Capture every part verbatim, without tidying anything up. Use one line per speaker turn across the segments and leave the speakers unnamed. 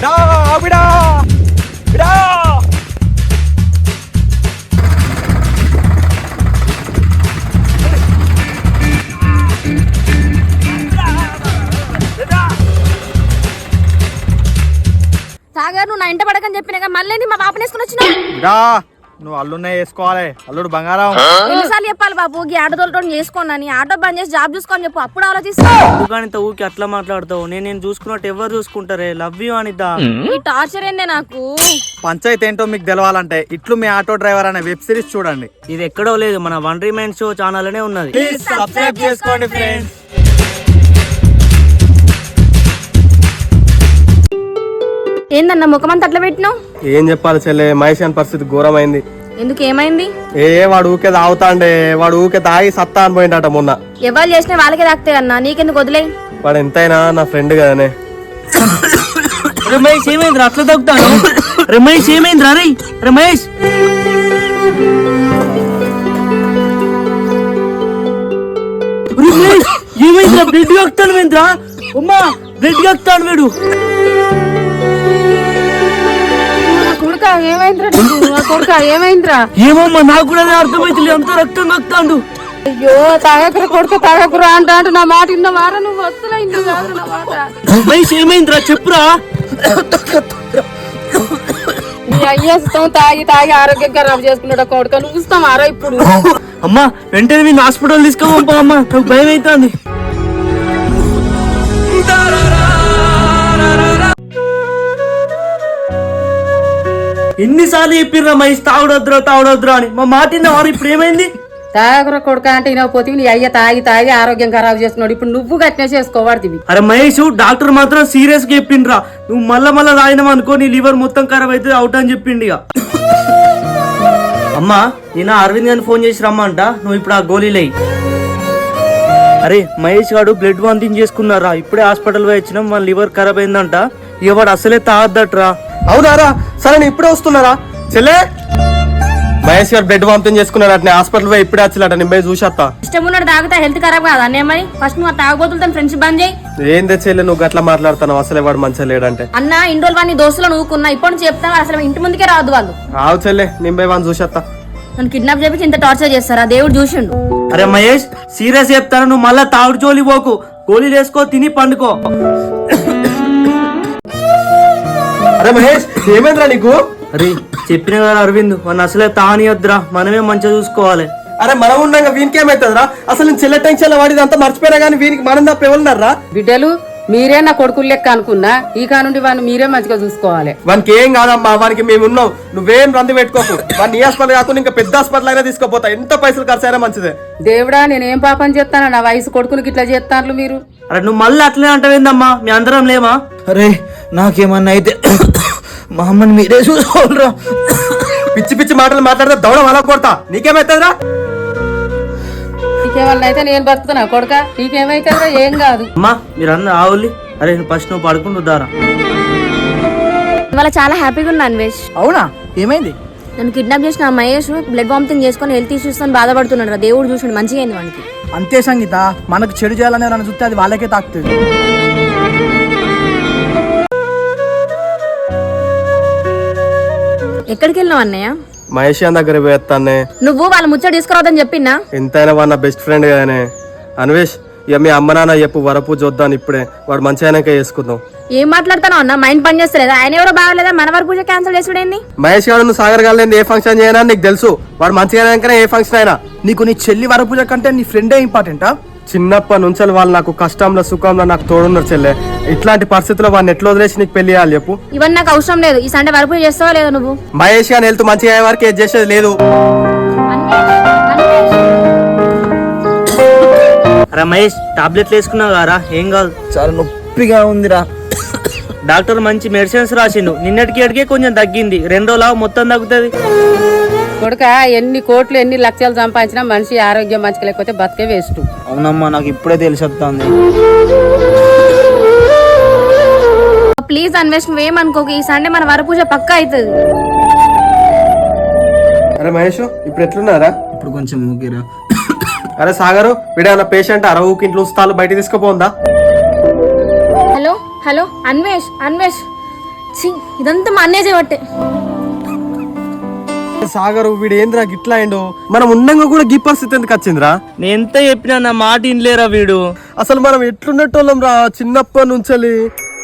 సాగర్ నువ్వు నా ఇంట పడకని చెప్పినా మళ్ళీ మా పాపని వేసుకుని వచ్చినా
నువ్వు అల్లునే వేసుకోవాలి. అల్లుడు బంగారం.
ఎన్నిసార్లు చెప్పాలి బాబు ఈ ఆటో తోలతో చేసుకోనని? ఆటో బంద్ చేసి జాబ్ చూసుకోని చెప్పు, అప్పుడు ఆలోచిస్తా.
ఎందుకంత ఊకి అట్లా మాట్లాడతావు? నేను నేను చూసుకున్నట్టు ఎవరు చూసుకుంటారే? Love you అనిద్దా.
ఈ టార్చర్ ఏందే నాకు.
పంచాయతీ ఏంటో మీకు తెలవాలంటే ఇట్లు మీ ఆటో డ్రైవర్ అనే వెబ్ సిరీస్ చూడండి.
ఇది ఎక్కడో లేదు, మన వన్ రిమైన్ షో ఛానల్ అనే ఉన్నది.
ప్లీజ్ సబ్స్క్రైబ్ చేసుకోండి ఫ్రెండ్స్.
ఏందన్నా ముఖమంతా అట్లా పెట్టినావు?
ఏం చెప్పాలి చెల్లె, మహేష్ పరిస్థితి ఘోరమైంది.
ఎందుకు ఏమైంది?
ఏ వాడు ఊకే తాగుతాండే, వాడు ఊకే తాగి సత్తా అని పోయిందట మొన్న.
ఎవరు చేసినా వాళ్ళకే తాకుతాయి అన్నా, నీకెందుకు వదిలే.
వాడు ఎంతైనా నా ఫ్రెండ్ కదనే.
రమేష్ ఏమైందిరా అట్లా తగ్గుతాను? రమేష్ ఏమైందిరా? రే రమేష్ ఏమైందిరా? బ్లడ్ కక్కుతాను ఏంద్రా? ఉమ్మా బ్లడ్ కక్కుతాను వీడు.
కొడుకా ఏమైందిరా? కొడుకా ఏమైందిరా?
ఏమమ్మా నాకు కూడా అర్థమైతుంది, అంత రక్తం కక్కుతాండు.
అయ్యో తాగకురా కొడుకు, తాగకురా అంట అంటే నా మాట ఇన్న వారా నువ్వు వస్తులైంది కాదు నా మాట.
రమేష్ ఏమైందిరా చెప్పురా.
నీ అయ్యేస్తాం తాగి తాగి ఆరోగ్యం ఖరాబ్ చేసుకున్నాడు కొడుక, నువ్వు ఇస్తాం ఆరో ఇప్పుడు.
అమ్మా వెంటనే మీ హాస్పిటల్ తీసుకోమా అమ్మా, నాకు భయం అవుతుంది. ఎన్నిసార్లు చెప్పిర్రా మహేష్ తాగుడొద్దురా తాగుడొద్దురా అని? మా మాట వారు ఇప్పుడు ఏమైంది?
తాగకురా కొడుక అంటే పోతే నీ అయ్య తాగి తాగి ఆరోగ్యం ఖరాబ్ చేసుకున్నాడు, ఇప్పుడు నువ్వు గట్టినే చేసుకోవాడుతుంది.
అరే మహేష్ డాక్టర్ మాత్రం సీరియస్ గా చెప్పిండ్రా, నువ్వు మళ్ళా మళ్ళా తాగినావు అనుకో నీ లివర్ మొత్తం ఖరాబ్ అయితే అవుట్ అని చెప్పిండి. ఇక అమ్మా నేను అరవింద్ గారిని ఫోన్ చేసి రమ్మంట, నువ్వు ఇప్పుడు ఆ గోళీలే. అరే మహేష్ గారు బ్లడ్ వాంతింగ్ చేసుకున్నారా, ఇప్పుడే హాస్పిటల్ పోయి వచ్చినాం, మన లివర్ ఖరాబ్ అయిందంట. ఇక వాడు అసలే తాగద్దట్రా.
అవునారా? సరే నేను ఇప్పుడే వస్తున్నారా చెల్లె. మహేష్ గారు బ్లడ్ వామిటింగ్ చేసుకున్నాడు అట్నే, హాస్పిటల్ పోయి ఇప్పుడే వచ్చినట్ట. నేను పోయి చూసేస్తా.
ఇష్టం ఉన్నాడు తాగుతా హెల్త్ ఖరాబ్ కాదు అన్నీ మరి. ఫస్ట్ నువ్వు తాగబోతులతో ఫ్రెండ్షిప్ బంద్ చేయి.
ఏందే చెల్లె నువ్వు గట్లా మాట్లాడుతున్నావు? అసలే వాడు మంచిగా లేడంటే.
అన్న ఇన్ని రోజులు వాడిని దోస్తులు నువ్వుకున్నా, ఇప్పుడు నుంచి చెప్తాను అసలు ఇంటి ముందుకే రాదు వాళ్ళు.
ఆవు చెల్లె నేను పోయి వాడిని చూసేస్తా.
నన్ను కిడ్నాప్ చేపించి ఇంత టార్చర్ చేస్తారా? దేవుడు చూసిండు.
అరే మహేష్ సీరియస్ చెప్తాను, నువ్వు మళ్ళా తాగుడు జోలి పోకు, గోళీలు వేసుకో తిని పండుకో.
అరే మహేష్ ఏమైందిరా నీకు?
అరే చెప్పిన కదా అరవింద్, మన అసలే తానియొద్దురా, మనమే మంచిగా చూసుకోవాలి.
అరే మనం ఉండగా వీనికి ఏమైతుందిరా? అసలు నేను చెల్లె టెన్షన్ వాడిది అంతా మర్చిపోయినా కానీ వీనికి మనం తప్ప ఎవరున్నారా?
బిడ్డలు మీరే నా కొడుకులు లెక్క అనుకున్నా, ఈ కానుండి వాడిని మీరే మంచిగా చూసుకోవాలి.
వానికి ఏం కాదమ్మా, వానికి మేము ఉన్నాం, నువ్వేం రంది పెట్టుకోకు. వాడిని ఈ హాస్పిటల్ కాకుండా ఇంకా పెద్ద హాస్పిటల్ అయినా తీసుకోపోతా, ఎంత పైసలు ఖర్చు అయినా మంచిదే.
దేవుడా నేనేం పాపం చేస్తానా, నా వయసు కొడుకునికి ఇట్లా చేస్తాను మీరు.
అరే నువ్వు మళ్ళీ అట్లనే అంటావేందమ్మా, మీ అందరం లేమా? అరే నాకేమన్నా అయితే మా అమ్మని మీరే చూసుకోవాలరా.
పిచ్చి పిచ్చి మాటలు మాట్లాడితే దౌడం అలా కొడతా. నీకేమైతుందిరా?
నీకేమన్నా అయితే నేను బతుకుతున్నా కొడుక, నీకేమైతుందిరా? ఏం కాదు
అమ్మా మీరందరూ ఆవులి. అరే ఫస్ట్ నువ్వు పడుకుంటున్నారా?
ఇవాళ చాలా హ్యాపీగా ఉన్నా అన్వేష్.
అవునా ఏమైంది?
నన్ను కిడ్నాప్ చేసిన మహేష్ బ్లడ్ వామిటింగ్ చేసుకుని హెల్త్ ఇష్యూస్ తో బాధపడుతున్నాడు. దేవుడు చూసిండు మంచిగా అయింది వానికి.
అంతే సంగీత, మనకు చెడు చేయాలని నన్ను చూస్తే అది వాళ్ళకే తాకుతుంది.
ఎక్కడికి వెళ్ళావు అన్నయ్య?
మహేష్ దగ్గర పోయేస్తానే.
నువ్వు వాళ్ళ ముచ్చట తీసుకురావద్దని చెప్పినా?
ఎంతైనా వాడు నా బెస్ట్ ఫ్రెండ్ కదనే. అన్వేష్ ఇక మీ అమ్మ నాన్న చెప్పు, వరపు చూద్దాం ఇప్పుడే, వాడు మంచి అయినాక చేసుకుందాం.
ఏం మాట్లాడతాను అన్న? మైండ్ పని చేస్తలేదా? ఆయన ఎవరో బాగాలేదా? మన వరకు పూజ క్యాన్సిల్ చేసుడేంది?
మహేష్ గారు నువ్వు సాగర్ గారు ఏ ఫంక్షన్ చేయనా నీకు తెలుసు, వాడు మంచిగా అయినాకనే ఏ ఫంక్షన్ అయినా.
నీకు నీ చెల్లి వరపూజ కంటే నీ ఫ్రెండే ఇంపార్టెంటా?
చిన్నప్పటి నుంచి వాళ్ళు నాకు కష్టంలో సుఖంలో నాకు తోడున్నారు చెల్లె. ఇట్లాంటి పరిస్థితుల్లో వాడిని ఎట్లా వదిలేసి నీకు పెళ్లి చేయాలి చెప్పు?
ఇవన్నీ నాకు అవసరం లేదు. ఈ సండే వరకు చేస్తావా లేదా నువ్వు?
మహేష్ గారిని వెళ్తూ మంచిగా అయ్యే వరకు ఏది చేసేది లేదు.
రమేష్ టాబ్లెట్లు వేసుకున్నావు కదా, ఏం కాదు.
చాలా నొప్పిగా ఉందిరా.
డాక్టర్ మంచి మెడిసిన్స్ రాసిండు, నిన్నటికి ఎడికే కొంచెం తగ్గింది, రెండు రోజులు మొత్తం తగ్గుతుంది.
కొడుక ఎన్ని కోట్లు ఎన్ని లక్షలు సంపాదించినా మనిషి ఆరోగ్యం మంచిగా లేకపోతే బతికే వేస్ట్.
అవునమ్మా నాకు ఇప్పుడే తెలిసి వస్తుంది.
ప్లీజ్ అన్వేష్ నువ్వేమనుకోకు, ఈ సండే మన వరపూజ పక్కా అవుతుంది.
అరే మహేష్ ఇప్పుడు ఎట్లున్నారా?
ఇప్పుడు కొంచెం ఊగిరా.
అరే సాగరు వీడేమన్నా పేషెంట్ అరవుకి ఇంట్లో ఉస్తాలు బయట తీసుకుపోందా?
హలో హలో అన్వేష్ అన్వేష్
ఛీ, ఇదంతా మా అన్నయ్య చేయబట్టే.
సాగర్ వీడు ఏంద్రా గిట్లా అయిండు, మనం ఉండంగా కూడా గీ పరిస్థితి ఎందుకు వచ్చిందిరా?
నేను ఎంత చెప్పినా నా మాట ఇన్లేరా వీడు.
అసలు మనం ఎట్లున్నట్టోళ్ళం రా చిన్నప్పటి నుంచి.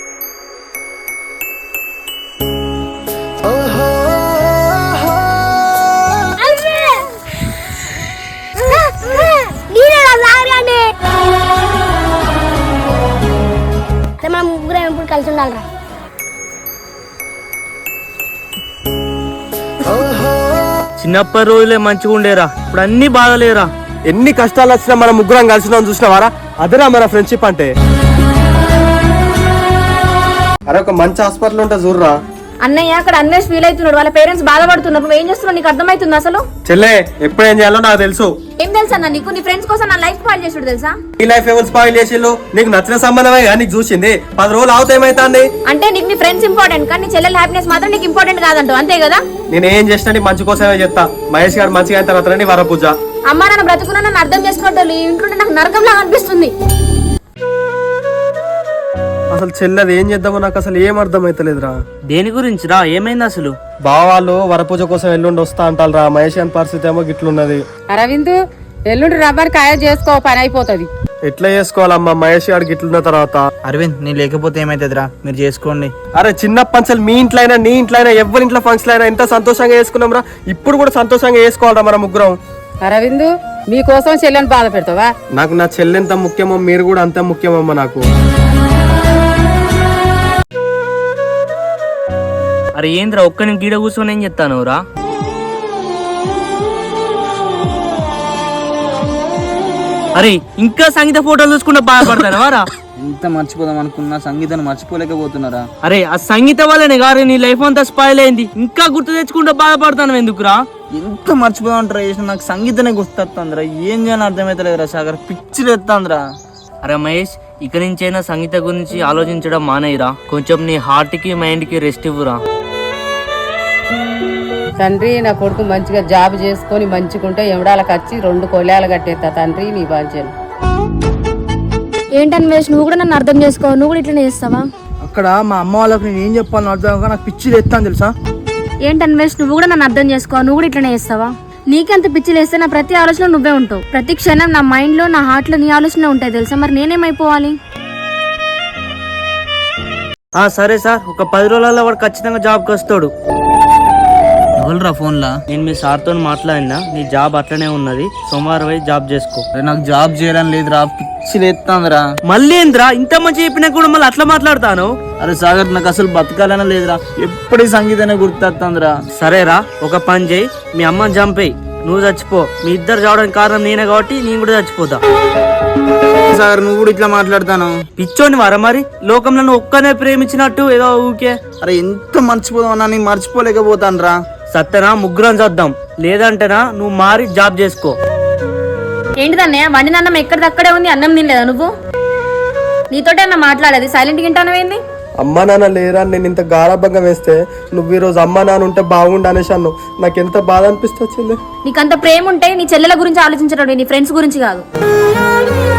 మనం ముగ్గురం ఎప్పుడు కలిసి ఉండాలిరా.
చిన్నప్పటి రోజులే మంచిగా ఉండేరా, ఇప్పుడు అన్ని బాధలేరా.
ఎన్ని కష్టాలు వచ్చినా మనం ముగ్గురం కలిసినాం చూసినావారా, అదేరా మన ఫ్రెండ్షిప్ అంటే. అరే ఒక మంచి హాస్పిటల్ ఉంటే చూడరా.
అన్నయ్య అక్కడ అన్నేష్ ఫీల్ అవుతున్నాడు, వాళ్ళ పేరెంట్స్ బాధపడుతున్నారు. నువ్వు ఏం చేస్తున్నావు నీకు అర్థమవుతుంది అసలు?
చెల్లే ఎప్పుడు ఏం చేయాలో నాకు తెలుసు.
ఏం తెలుసా అన్న నీకు? నీ ఫ్రెండ్స్ కోసం నా లైఫ్ పాడు చేసుడు తెలుసా?
ఈ లైఫ్ ఎవరు స్పాయిల్ చేసిళ్ళు? నీకు నచ్చిన సంబంధమే కానీ నీకు చూసింది పది రోజులు అవుతా ఏమైతుంది?
అంటే నీకు నీ ఫ్రెండ్స్ ఇంపార్టెంట్ కానీ నీ చెల్లెల హ్యాపీనెస్ మాత్రం నీకు ఇంపార్టెంట్ కాదంటావు, అంతే కదా?
నేను ఏం చేసినా నీ మంచి కోసమే చెప్తా. మహేష్ గారు మంచిగా అయిన తర్వాత వర పూజ.
అమ్మా నాన్న బ్రతుకున్నా నన్ను అర్థం చేసుకున్నట్టు ఈ ఇంట్లో నాకు నరకంలా అనిపిస్తుంది.
అసలు చెల్లెది ఏం చేద్దామో నాకు అసలు ఏం అర్థమైతలేదురా.
దేని గురించి రా, ఏమైంది అసలు?
బావాళ్ళు వరపూజ కోసం ఎల్లుండి వస్తా అంటారు రా. మహేష్ గారి పరిస్థితి ఏమో గిట్లున్నది.
అరవింద్ ఎల్లుండి రబ్బర్ కాయ చేసుకో, పని అయిపోతుంది.
ఎట్లా చేసుకోవాలమ్మా మహేష్ గారికి ఇట్లున్న తర్వాత?
అరవింద్ నేను లేకపోతే ఏమైతుందిరా, మీరు చేసుకోండి.
అరే చిన్న పంచలు మీ ఇంట్లో అయినా నీ ఇంట్లో అయినా ఎవరి ఇంట్లో ఫంక్షన్ అయినా ఎంత సంతోషంగా చేసుకున్నాం రా. ఇప్పుడు కూడా సంతోషంగా చేసుకోవాలరా మన ముగ్గురం.
అరవింద్ మీకోసం చెల్లెని బాధ పెడతావా?
నాకు నా చెల్లెంత ముఖ్యమో మీరు కూడా అంత ముఖ్యమమ్మా నాకు.
అరే ఏంద్రా ఒక్క నేను గీడ కూర్చొని ఏం చెప్తాను రా? అరే ఇంకా సంగీత ఫోటోలు చూసుకుంటే బాధపడతాను రా.
ఎంత మర్చిపోదాం అనుకున్నా సంగీతాన్ని మర్చిపోలేకపోతున్నారా?
అరే ఆ సంగీత వల్లనే గారు నీ లైఫ్ అంతా స్పాయిల్ అయింది, ఇంకా గుర్తు తెచ్చుకుంటే బాధపడతాను ఎందుకురా?
ఎంత మర్చిపోదాం అంటారా చేసిన, నాకు సంగీతనే గుర్తొస్తుందిరా. ఏం చేయాలని అర్థమైతలేదురా సాగర్, పిచ్చిలు ఎత్తాందిరా.
అరే మహేష్ ఇక నుంచైనా సంగీత గురించి ఆలోచించడం మానేయరా, కొంచెం నీ హార్ట్ కి మైండ్ కి రెస్ట్ ఇవ్వరా.
తండ్రి నా కొడుకు మంచిగా జాబ్ చేసుకొని మంచిగుంటే ఎవడాలకు వచ్చి రెండు కొలేలు కట్టేస్తా తండ్రి నీ బాధ్యను.
ఏంటన్వేష్ నువ్వు కూడా నన్ను అర్థం చేసుకో, నువ్వు కూడా ఇట్లనే చేస్తావా?
అక్కడ మా అమ్మ వాళ్ళకి నేను ఏం చెప్పాలని అర్థం కాక నాకు పిచ్చిలు ఎత్తాను తెలుసా.
ఏంటన్వేష్ నువ్వు కూడా నన్ను అర్థం చేసుకో, నువ్వు కూడా ఇట్లనే చేస్తావా? నీకెంత పిచ్చిలు వేస్తే నా ప్రతి ఆలోచన నువ్వే ఉంటావు. ప్రతి క్షణం నా మైండ్ లో నా హార్ట్ లో నీ ఆలోచన ఉంటాయి తెలుసా. మరి నేనేమైపోవాలి?
ఆ సరే సార్, ఒక పది రోజులలో వాడు ఖచ్చితంగా జాబ్కి వస్తాడు.
ఎవరురా ఫోన్లా?
నేను మీ సార్తో మాట్లాడినా, నీ జాబ్ అట్లనే ఉన్నది, సోమవారం పోయి జాబ్ చేసుకో.
నాకు జాబ్ చేయాలని లేదురా, పిచ్చిలు ఎత్తాందిరా.
మళ్ళీ ఏంద్రా ఇంత మంచి చెప్పినా కూడా మళ్ళీ అట్లా మాట్లాడతాను?
అరే సాగర్ నాకు అసలు బతకాలనే లేదురా, ఎప్పటి సంగీతనే గుర్తొస్తుందిరా.
సరేరా ఒక పని చేయి, మీ అమ్మని చంపేయి, నువ్వు చచ్చిపో. మీ ఇద్దరు చావడానికి కారణం నేనే కాబట్టి నేను కూడా చచ్చిపోతా.
సాగర్ నువ్వు కూడా ఇట్లా మాట్లాడతాను?
పిచ్చోని వారా మరి, లోకంలో నువ్వు ఒక్కనే ప్రేమించినట్టు ఏదో ఊకే.
అరే ఎంత మర్చిపోదాం అన్నా, నేను మర్చిపోలేకపోతాను రా.
సత్తనా ముగ్గురం చద్దాం, లేదంటేనా నువ్వు మారి జాబ్ చేసుకో.
ఏంటిదన్నయ్య వండిన అన్నం ఎక్కడిదక్కడే ఉంది, అన్నం తినలేదా నువ్వు? నీతోటే అన్న మాట్లాడేది, సైలెంట్ గింటానవేంది?
అమ్మా నాన్న లేరా నేను ఇంత గారాబంగా వేస్తే నువ్వు ఈ రోజు అమ్మా నాన్న ఉంటే బాగుండు అనేసి అన్నావు. నాకు ఎంత బాధ అనిపిస్తుంది.
నీకంత ప్రేమ ఉంటే నీ చెల్లెల గురించి ఆలోచించడం, నీ ఫ్రెండ్స్ గురించి కాదు.